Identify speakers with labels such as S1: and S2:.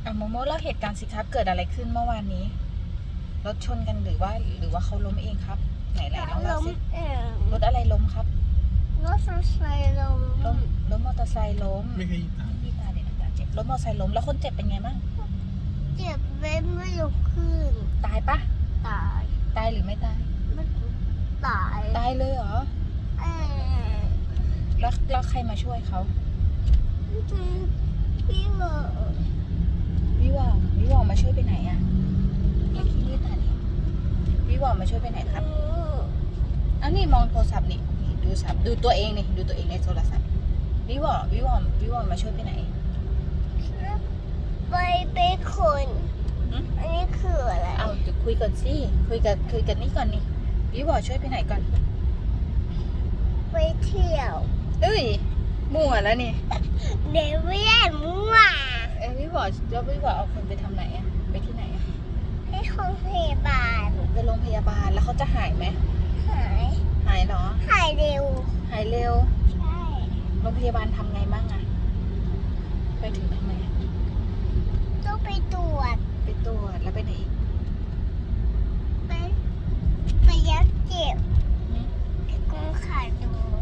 S1: โมโมเล่าเหตุการณ์สิครับเกิดอะไรขึ้นเมื่อวานนี้รถชนกันหรือว่าเขาล้มเองครับไหนน้องเล่าสิรถอะไรล้มครับ
S2: รถไฟล้ม
S1: รถมอเตอร์ไซค์ล้ม
S3: ไม่เคยตาม
S1: พี่ตาเด็กตาเจ็บรถมอเตอร์ไซค์ล้มแล้วคนเจ็บเป็นไงบ้าง
S2: เจ็บเว้นไม่ลุกขึ้น
S1: ตายปะ
S2: ตาย
S1: ตายหรือไม่ตาย
S2: ไม่ตาย
S1: ตายเลยเหรอแล้วใครมาช่วยเขา
S2: พี่เหมอ
S1: วิวอมาช่วยไปไหนอะเรียกพี่ตาดิวิวอมาช่วยไปไหนครับอันนี้มองโทรศัพท์นี่ดูตัวเองนี่ดูตัวเองในโทรศัพท์วิวอมาช่วยไปไหน
S2: ไปคนอันนี้คืออะไร
S1: เอาเดี๋ยวคุยก่อนสิคุยกันนี่ก่อนนี่วิวอช่วยไปไหนก่อน
S2: ไปเที่ยว
S1: เอ้ยมั่วแล้วนี่
S2: เดี๋ยวไม่ได้มั่ว
S1: วิวอเอาคนไปทำไหนอะไปที่ไหนอะ
S2: ให้โรงพยาบาล
S1: ไปโรงพยาบาลแล้วเขาจะหายไหม
S2: หาย
S1: เหรอ
S2: หายเร็ว
S1: หายเร็ว
S2: ใช่
S1: โรงพยาบาลทำไงบ้างอะไปถึงทำไมอะ
S2: ต้องไปตรวจ
S1: แล้วไปไหนอีก
S2: ไปยัดเจ็บกงขาดู